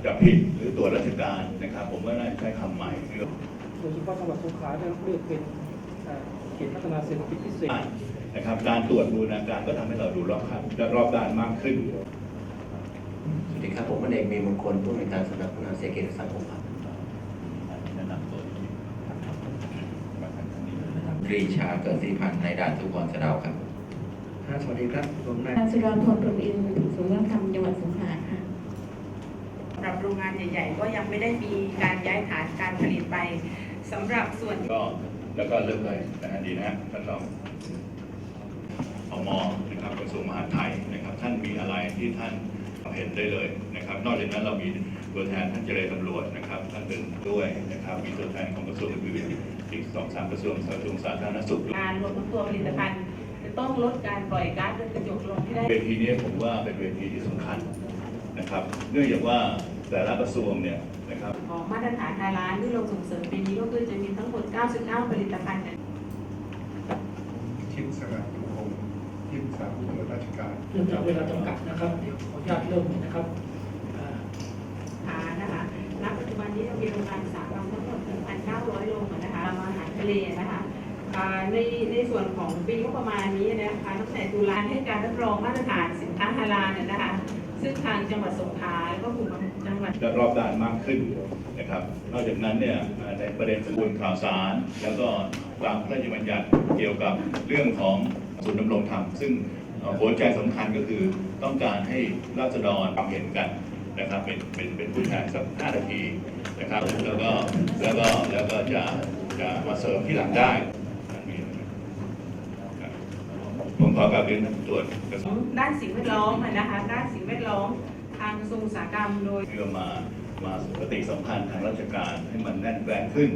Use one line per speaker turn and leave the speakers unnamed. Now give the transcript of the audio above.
จะผิดหรือตรวจราชการนะครับผมว่าน่าจะใช้คำใหม่
โดยเฉพาะจังหวัดสงขลาได้เลือกเป็นเขตพัฒนาเศรษฐกิจพิเศษ
นะครับการตรวจบูรณาการก็ทำให้เราดูรอบด้านมากขึ้น
สวัสดีครับผมพลเอกมีมงคลผู้อำนวยการสำนักพัฒนาเศรษฐกิจและสังคมครับ
ปรีชาเกิดสีพันธ์ในด่านทุกคนสะเดาครับ
สวัสดีครับผมนาย
นางสุดาพรพรหมอินทร์ศูนย์วัฒนธรรมจังหวัดสงขลาค่ะ
สำหรับโรงงานใหญ่ๆก็ยังไม่ได้มีการย้ายฐานการผลิตไปสำหรับส่วน
ก็แล้วก็เริ่มเลยนะฮะดีนะฮะท่านรองม.นะครับกระทรวงมหาดไทยนะครับท่านมีอะไรที่ท่านเห็นได้เลยนะครับนอกจากนั้นเรามีตัวแทนท่านเจรตำรวจนะครับท่านเป็นด้วยนะครับมีตัวแทนของกระทรวงอื่นๆอีก2-3 กระทรวงสาธารณสุข
การรวมทั้งตัวผลิตภัณฑ์จะต้องลดการปล่อยก๊าซเรือนกระจกลงให้ได้
เวทีนี้ผมว่าเป็นเวทีที่สำคัญนะครับเนื่องจากว่าแต่ละกระทรวงเนี่ยนะครับ
ของมาตรฐาน5 ล้านที่เราส่งเสริมปีนี้ก็คือจะมีทั้งหมด99ผลิตภัณฑ์
ทีมสงัดทุกองทีมสาผู้ตรวจราชการ
เรื่องจากเวลาจำกัดนะครับเดี๋ยวขออนุญาตเริ่มเลยนะครับ
นะคะณปัจจุบันนี้เรามีโรงงานอุตสาหกรรมทั้งหมด 1,900 โรงนะคะทำอาหารทะเลนะคะในส่วนของปีงบประมาณนี้นะคะตั้งแต่ตุลาให้การรับรองมาตรฐานสินค้าฮาลาลนะคะซึ่งทางจังหวัดสงขลาแล้วก็กลุ่มจังหวัด
จะรอบด้านมากขึ้นนะครับนอกจากนั้นเนี่ยในประเด็นสมบูรณ์ข่าวสารแล้วก็ตามพระราชบัญญัติเกี่ยวกับเรื่องของศูนย์ดำรงธรรมซึ่งหัวใจสำคัญก็คือต้องการให้ราษฎรความเห็นกันนะครับเป็นผู้แทนสัก5 นาทีนะครับแล้วก็จะมาเสริมที่หลังได้ผมขอกราบเรียนท่านตรวจ
ด้านสิ่งแวดล้อมนะคะด้านสิ่งแวดล้อมทางกระทรวงอุตสาหกรรมโดย
เพื่อมาปฏิสัมพันธ์ทางราชการให้มันแน่นแฟ้นขึ้น